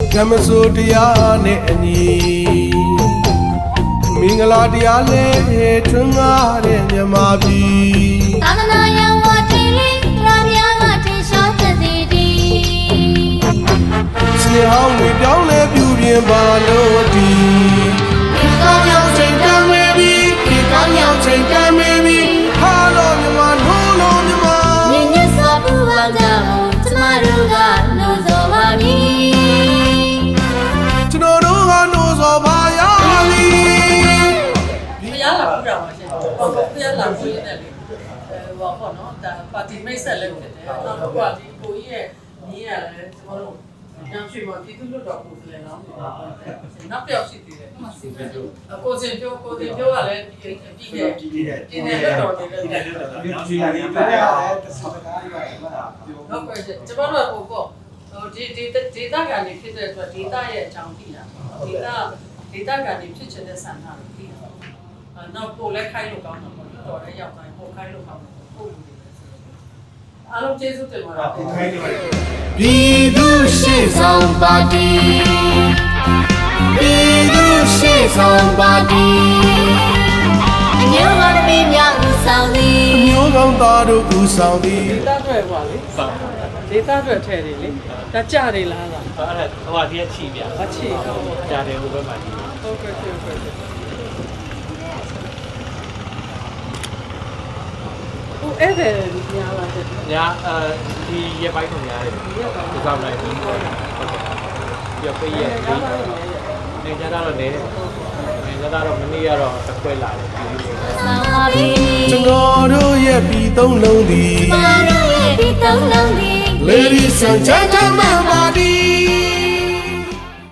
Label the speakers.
Speaker 1: ကမဆိုတရားနဲ့အညီမင်္ဂလာတရားလဲထွန်းကားတဲ့မြမပြည်
Speaker 2: သာသနာယဝတိလေးရာများကထင်ရှားတဲ့စီတီ
Speaker 1: စနေဟောင်းတွေပြောင်းလဲပြူပြင်ပါလို့ဒီခေကောင်းရောက်ချိန်တမ်းမေပြီခေကောင်းရောက်ချိန်တမ်းမေပြီဟာလို့မြမလို့လို့မြမ
Speaker 2: မြင့်မြတ်စွာဘုရားကြောင့်ကျမတို့ကလို့ဆိုပါပြီ
Speaker 1: ကျွန်တော်တို့ကလို့ဆိုပါရပြီ
Speaker 3: ဘုရားလာပူတာပါရှင်ဟုတ်ကဲ့ဘုရားလာပူရတဲ့လေဟိုပေါ့နော်ဒါပါတီမိတ်ဆက်လည်းဖြစ်တယ်နောက်ပါတီကိုကြီးရဲ့ညီရလည်းကျွန်တော်တို့ညောင်ရွှေမှာပြည်သူ့လွတ်တော်ကိုယ်စားလှယ်နော်နောက်ပြောက်ရှိသေးတယ်ကိုစင်ပြောကလည်းပြည်နယ်လွတ်တော်နေလည်း
Speaker 4: ဒီနေရာလေးပြရတယ်တစ်စကားရတယ်မှတ်တာ
Speaker 3: ဟုတ်ကဲ့ကျွန်တော်တို့ဟိုဒေတာကနေဖြစ်တဲ့အတွက်ဒေတာရဲ့အကြောင်းသိတာဒေတာကနေဖြစ်ချင်တဲ့ဆန္ဒကိုသိတာနောက်ပို့လဲခိုင်းလို့ကောင်းတာပေါ့လွတ်တော်လည်းရောက်တိုင်းပို့ခိုင်းလို့ကောင်းတယ်ပို့လို့အားလုံးကျေးဇူးတင်ပါတယ်
Speaker 4: ခိုင်းနေပါတယ်
Speaker 1: ပြည်သူရှေ့ဆောင်ပါတီပြည်သူရှေ့ဆောင်ပါတီ
Speaker 2: အမျိုးကောင်းသမီးများဦးဆောင်သည်
Speaker 1: အမျိုးကောင်းသားတို့ဦးဆောင်သည်
Speaker 3: ဒေတာတွေပါလေဒေတာတွေထဲတယ်လေဒါကြတယ်လား
Speaker 4: အဲ့ဒါဟိုဟာဒီချီပြ
Speaker 3: အချီ
Speaker 4: ကြားတယ်ဟိုဘက်မှာဒီ
Speaker 3: ဟုတ်ကဲ့ဟုတ်ကဲ့အဲ့ဒါများပါတဲ့
Speaker 4: ညာဒီရပိုင်းကိုညားတယ်ဒီကောင်လိုက်ပြီးဟုတ်ကဲ့ပြပေးရနေကြတော့နေကြတော့မနေ့ကတော့တစ်ခွဲလာတယ်
Speaker 2: ဆောင်ပါပြီ
Speaker 1: ကျွန်တော်တို့ရဲ့ပြည်သုံးလုံးသည်
Speaker 2: ကျမတို့ရဲ့ပြည်သုံးလုံးသည်
Speaker 1: Ladies and gentlemen party